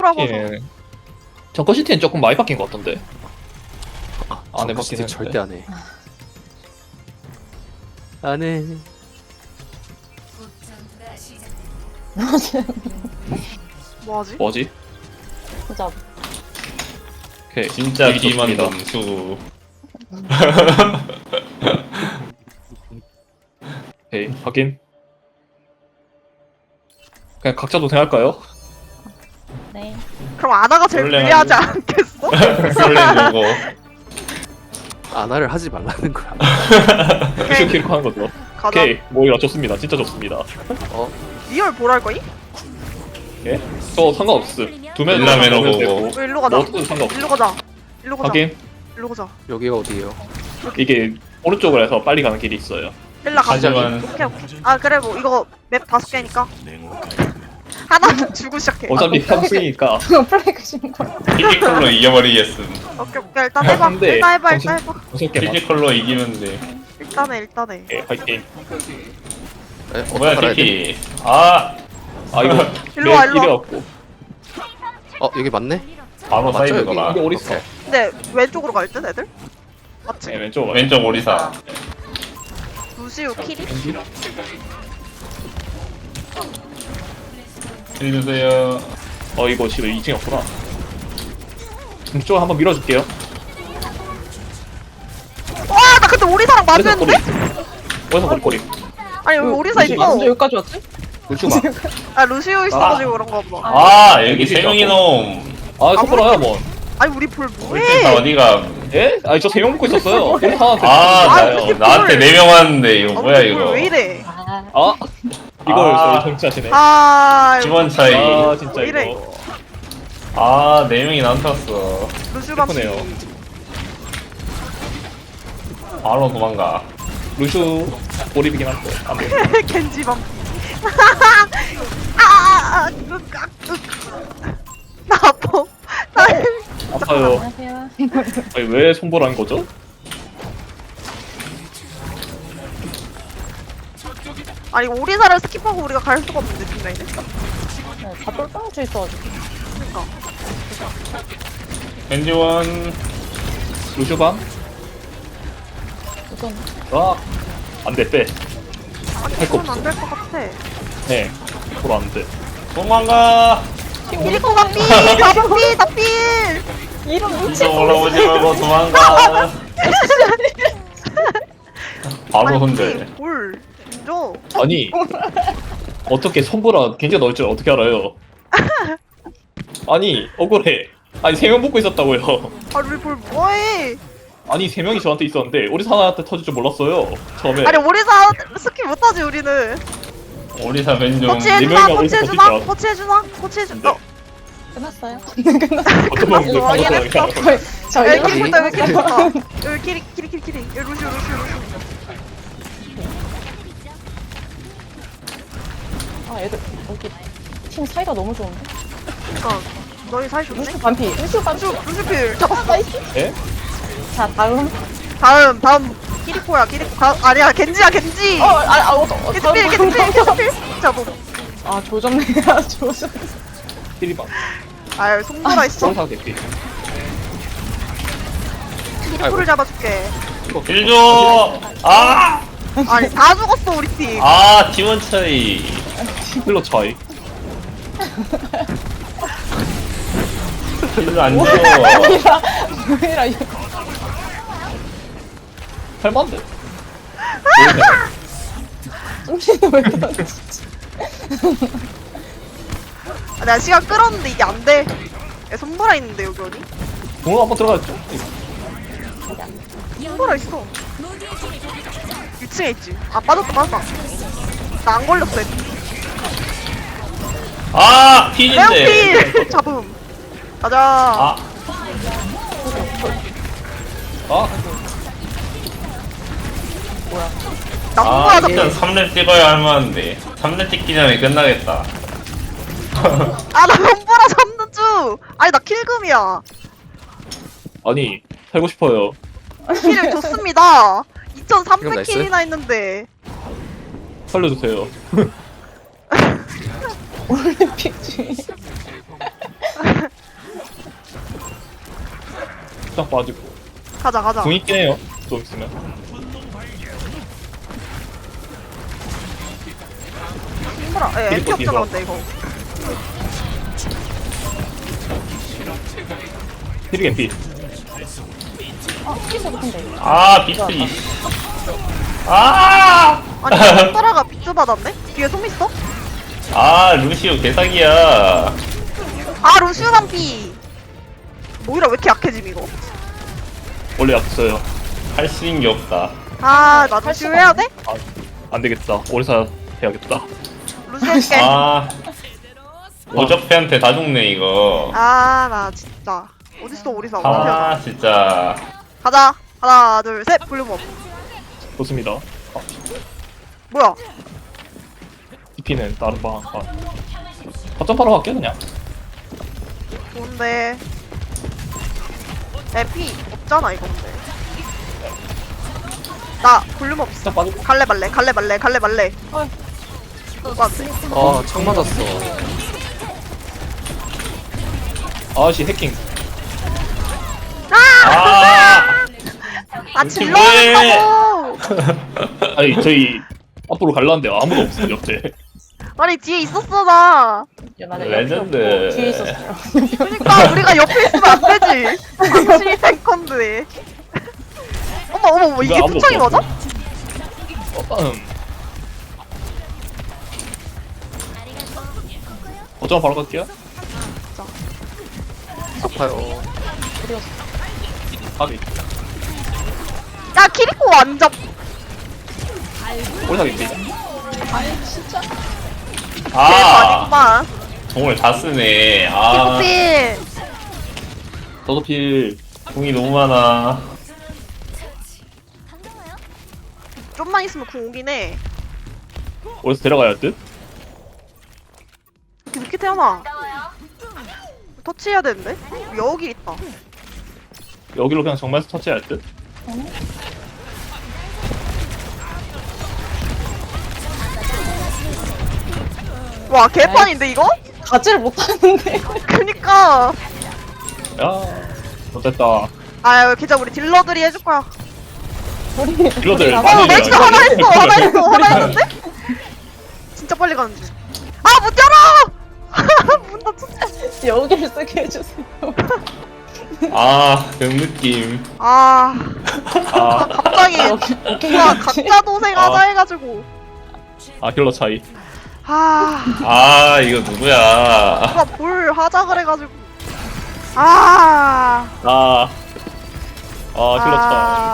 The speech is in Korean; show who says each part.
Speaker 1: 바꾸라고 하서.
Speaker 2: 정권 시티는 조금 많이 바뀐 것 같던데. 안 해봤긴
Speaker 3: 진짜
Speaker 2: 했는데.
Speaker 3: 절대 안 해. 안 해.
Speaker 1: 뭐하지?
Speaker 2: 뭐지?
Speaker 4: 보자.
Speaker 2: 오케이.
Speaker 5: 진짜
Speaker 2: 일이
Speaker 5: 비만
Speaker 2: 좋습니다.
Speaker 5: 점수.
Speaker 2: 오케이, 확인. 그냥 각자 도생할까요?
Speaker 4: 네.
Speaker 1: 그럼 아나가 제일
Speaker 5: 원래
Speaker 1: 불리하지 않겠어?
Speaker 5: 설레 누고.
Speaker 3: 안화를 하지 말라는 거야.
Speaker 2: 루시오 키리코 하는 거죠.
Speaker 1: 가자.
Speaker 2: 오케이, 모이라 좋습니다. 진짜 좋습니다.
Speaker 1: 리얼 보랄 거니?
Speaker 2: 예? 저 상관없음. 두 명이
Speaker 5: 일라메로
Speaker 2: 보면
Speaker 5: 보고.
Speaker 2: 되고.
Speaker 1: 일로 가자.
Speaker 2: 뭐 어떻게 상관없어.
Speaker 1: 일로 가자. 일로 가자.
Speaker 2: 확인.
Speaker 1: 일로 가자.
Speaker 3: 여기가 어디예요?
Speaker 2: 이게 오른쪽으로 해서 빨리 가는 길이 있어요.
Speaker 1: 일라 가자.
Speaker 5: 하지만
Speaker 1: 오케이 오케이. 아 그래 뭐 이거 맵 5개니까 하나 주고 시작해.
Speaker 2: 어차피 평승이니까.
Speaker 4: 플레이크 신고.
Speaker 5: 피지컬로 이겨버리겠음.
Speaker 1: 오케이 오케이 일단 해봐.
Speaker 2: 근데
Speaker 1: 일단 해봐.
Speaker 2: 정신-
Speaker 1: 일단 해봐.
Speaker 2: 무섭게 막.
Speaker 5: 피지컬로 이기면 돼.
Speaker 1: 일단 해. 일단 해.
Speaker 2: 예, 화이팅.
Speaker 5: 뭐야
Speaker 3: 갈아야 돼?
Speaker 5: TP. 아
Speaker 2: 아, 이거.
Speaker 1: 일로 와, 일로 와.
Speaker 2: 이래갖고.
Speaker 3: 여기 맞네?
Speaker 5: 바로
Speaker 3: 맞죠,
Speaker 5: 사이드더라.
Speaker 2: 이게 어딨어?
Speaker 3: 오케이.
Speaker 1: 근데 왼쪽으로 갈 듯 애들? 맞지?
Speaker 2: 네, 왼쪽.
Speaker 5: 왼쪽 오리사.
Speaker 1: 루시우 키리?
Speaker 5: 해주세요.
Speaker 2: 이거 지금 2층이 없구나. 이쪽으로 한번 밀어줄게요.
Speaker 1: 와 나 근데 오리사랑
Speaker 2: 어디서
Speaker 1: 맞는데?
Speaker 2: 어디서 머리꼬리?
Speaker 1: 아니 여기 오리사
Speaker 4: 언제
Speaker 1: 있어.
Speaker 4: 여기까지 왔지?
Speaker 3: 루슈 봐.
Speaker 1: 아 루시우 있어가지고 그런가 보다.
Speaker 5: 아 여기 세 명이 놈.
Speaker 2: 아, 속보라야, 뭐.
Speaker 1: 아니 우리 볼
Speaker 5: 다
Speaker 1: 뭐해?
Speaker 5: 어디가?
Speaker 2: 예? 아니, 저 3명 먹고 있었어요. 우리 하나한테.
Speaker 5: 아 나한테 4명 왔는데 이거 뭐야
Speaker 1: 우리
Speaker 5: 이거.
Speaker 1: 볼왜 이래?
Speaker 2: 아, 이걸
Speaker 5: 아.
Speaker 2: 저희 정치하시네.
Speaker 1: 아
Speaker 5: 기본 차이.
Speaker 2: 아, 진짜
Speaker 1: 왜 이래?
Speaker 2: 이거.
Speaker 5: 아 4명이 나한테 왔어.
Speaker 1: 루시우 밤
Speaker 2: 슬프네요.
Speaker 5: 바로 도망가.
Speaker 2: 루슈 몰입이긴 한데. 안 돼.
Speaker 1: 겐지 밤. 아, 나 아파. 나
Speaker 2: 아파요.
Speaker 4: 안녕하세요.
Speaker 2: 아니, 왜 손보라는 거죠?
Speaker 1: 아니 오리사를 스킵하고 우리가 갈 수가 없는데 뒷라인에.
Speaker 4: 다 똘똘해져 있어가지고.
Speaker 1: 그러니까.
Speaker 5: 겐지원.
Speaker 2: 루슈방?
Speaker 4: 우선
Speaker 2: 아, 안 돼, 빼.
Speaker 1: 아니
Speaker 2: 할거
Speaker 1: 그건 안될 것 같아.
Speaker 2: 네. 보러 안 돼.
Speaker 5: 도망가.
Speaker 1: 미리코 가삐, 나삐, 나삐.
Speaker 4: 이런
Speaker 5: 이쪽 올라오지 말고 도망가. 바로 혼자.
Speaker 1: 볼. 인정.
Speaker 2: 아니, 어떻게 손보라 굉장히 넣을 줄 어떻게 알아요? 아니, 억울해. 아니, 3명 붙고 있었다고요.
Speaker 1: 아 우리 볼 뭐해?
Speaker 2: 아니, 3명이 저한테 있었는데, 우리 사나한테 터질 줄 몰랐어요. 처음에.
Speaker 1: 아니 오리사 스킵 못하지 우리는.
Speaker 5: 오리사 왼쪽.
Speaker 1: 코치해주나?
Speaker 2: 네 명이나 어디서
Speaker 1: 코치해주나?
Speaker 2: 버티자.
Speaker 1: 코치해주나? 코치해주나?
Speaker 4: 끝났어요?
Speaker 2: 어떤 방법을
Speaker 1: 이거
Speaker 2: 방법을
Speaker 1: 확인했어.
Speaker 4: 저
Speaker 1: 여기
Speaker 4: 이거
Speaker 1: 키리 있다 여기 키리 있다. 여기 키리. 여기 루시오.
Speaker 4: 아 애들 여기 팀 사이가 너무 좋은데.
Speaker 1: 그니까 너희 사이 좋네?
Speaker 4: 루슈 반피. 루슈 반피.
Speaker 1: 루시필 잡았어.
Speaker 4: 나이스.
Speaker 2: 예?
Speaker 4: 자 다음.
Speaker 1: 다음 키리코야 키리코. 아니야 겐지야 겐지. 겐지필. 잡어.
Speaker 4: 아 조졌네. 조졌.
Speaker 2: 띠리방.
Speaker 1: 아유 송보라 있어.
Speaker 2: 성상 대피.
Speaker 1: 키리코를 잡아줄게.
Speaker 5: 일조. 아.
Speaker 1: 아니 다 죽었어 우리 팀.
Speaker 5: 아 팀원 차이.
Speaker 2: 힐러 차이.
Speaker 5: 일로 안 줘.
Speaker 4: 뭐해라 이거.
Speaker 2: 할만한데?
Speaker 4: 정신을 왜 그러지?
Speaker 1: 아, 내가 시간 끌었는데 이게 안 돼. 야, 손보라 있는데 여기 어디?
Speaker 2: 공을 한번 들어갔죠?
Speaker 1: 손보라 있어. 2층에 있지. 아 빠졌다. 나 안 걸렸어.
Speaker 5: 아 필인데.
Speaker 1: 레오필 잡음. 가자.
Speaker 5: 아
Speaker 2: 아,
Speaker 1: 나
Speaker 5: 아,
Speaker 1: 손보라
Speaker 5: 일단
Speaker 1: 잡음.
Speaker 5: 3렙 찍어야 할 만한데 3렙 찍기 전에 끝나겠다.
Speaker 1: 아나 손보라 잡는 중. 아니 나 킬금이야.
Speaker 2: 아니, 살고 싶어요.
Speaker 1: 킬을 줬습니다.
Speaker 3: 이건
Speaker 1: 2,300킬이나 했는데.
Speaker 2: 살려주세요.
Speaker 4: 올림픽 중에.
Speaker 2: 딱 빠지고.
Speaker 1: 가자 가자.
Speaker 2: 궁 있긴 해요. 좀 있으면.
Speaker 1: 힘들어. 에 MP
Speaker 2: 뒤로,
Speaker 1: 없잖아 근데 이거.
Speaker 2: 힐이 피.
Speaker 4: 아, 피스 높은데.
Speaker 5: 아 비트리. 아!
Speaker 1: 아니 손가락가 비트 받았네? 뒤에 솜 있어?
Speaker 5: 아 루시오 개사기야.
Speaker 1: 아 루시우 반피. 오히려 왜 이렇게 약해짐 이거?
Speaker 2: 원래 없어요.
Speaker 5: 할 수 있는 게 없다.
Speaker 1: 아 나 루시우 해야 돼?
Speaker 2: 아, 안 되겠다. 오리사 해야겠다.
Speaker 1: 루시우 할게.
Speaker 5: 아 오적패한테 다 죽네 이거.
Speaker 1: 아 나 진짜 어딨어 오리사 어떻게 하자.
Speaker 5: 아 진짜.
Speaker 1: 가자. 하나 둘 셋 볼륨업.
Speaker 2: 좋습니다. 아,
Speaker 1: 뭐야?
Speaker 2: DP는 다른 방. 아. 거점바로 갈게 그냥.
Speaker 1: 좋은데. MP 없잖아 이거 근데. 나 볼륨 없어.
Speaker 2: 딱 빠지고.
Speaker 1: 갈래 말래 갈래 말래 갈래 말래.
Speaker 4: 어이.
Speaker 1: 오빠 안 돼.
Speaker 3: 아, 창 맞았어.
Speaker 2: 아씨 해킹.
Speaker 5: 아!
Speaker 1: 아
Speaker 5: 이게
Speaker 1: 질러놨다고.
Speaker 2: 아니 저희 앞으로 갈라는데 아무도 없어 옆에.
Speaker 1: 아니 뒤에 있었어 나.
Speaker 4: 야, 맞아.
Speaker 5: 레전드.
Speaker 4: 옆에 없고 뒤에 있었어요.
Speaker 1: 그러니까 우리가 옆에 있으면 안 되지. 당신이 탱컨데. 어머 이게
Speaker 2: 아무도
Speaker 1: 투창이
Speaker 2: 없어.
Speaker 1: 맞아?
Speaker 2: 거점 바로 갈게요.
Speaker 3: 아파요.
Speaker 2: 가비.
Speaker 1: 야 키리코 완전.
Speaker 2: 오리사 겐지.
Speaker 4: 아니, 진짜.
Speaker 5: 아
Speaker 1: 대박이구만.
Speaker 5: 정말 다 쓰네. 아
Speaker 1: 키리코필.
Speaker 2: 저도 필.
Speaker 5: 궁이 너무 많아.
Speaker 1: 좀만 있으면 궁 오긴 해.
Speaker 2: 오리사 데려가야 할 듯?
Speaker 1: 이렇게 늦게 태어나. 터치해야 되는데? 여기 있다.
Speaker 2: 여기로 그냥 정말 터치해야 할 듯?
Speaker 1: 와 개판인데 이거?
Speaker 4: 가지를 못하는데.
Speaker 1: 그니까.
Speaker 2: 야, 못됐다.
Speaker 1: 아유 계좌 우리 딜러들이 해줄 거야.
Speaker 4: 우리.
Speaker 2: 딜러들
Speaker 4: 우리
Speaker 2: 많이
Speaker 1: 어, 나
Speaker 2: 해줘야
Speaker 1: 진짜
Speaker 2: 돼.
Speaker 1: 하나 했어, 하나 했어, 하나 했는데? 진짜 빨리 가는 중. 아, 문 열어! 문 닫혔어.
Speaker 4: 여기를 쓰게 해주세요.
Speaker 5: 아 그런 느낌.
Speaker 1: 아,
Speaker 2: 아,
Speaker 1: 갑자기,
Speaker 4: 오케이.
Speaker 1: 와, 각자 도생하자
Speaker 2: 아.
Speaker 1: 해가지고.
Speaker 2: 아 힐러 차이.
Speaker 1: 아,
Speaker 5: 아 이거 누구야?
Speaker 1: 누가 볼 하자 그래가지고. 아,
Speaker 2: 아, 힐러 차이.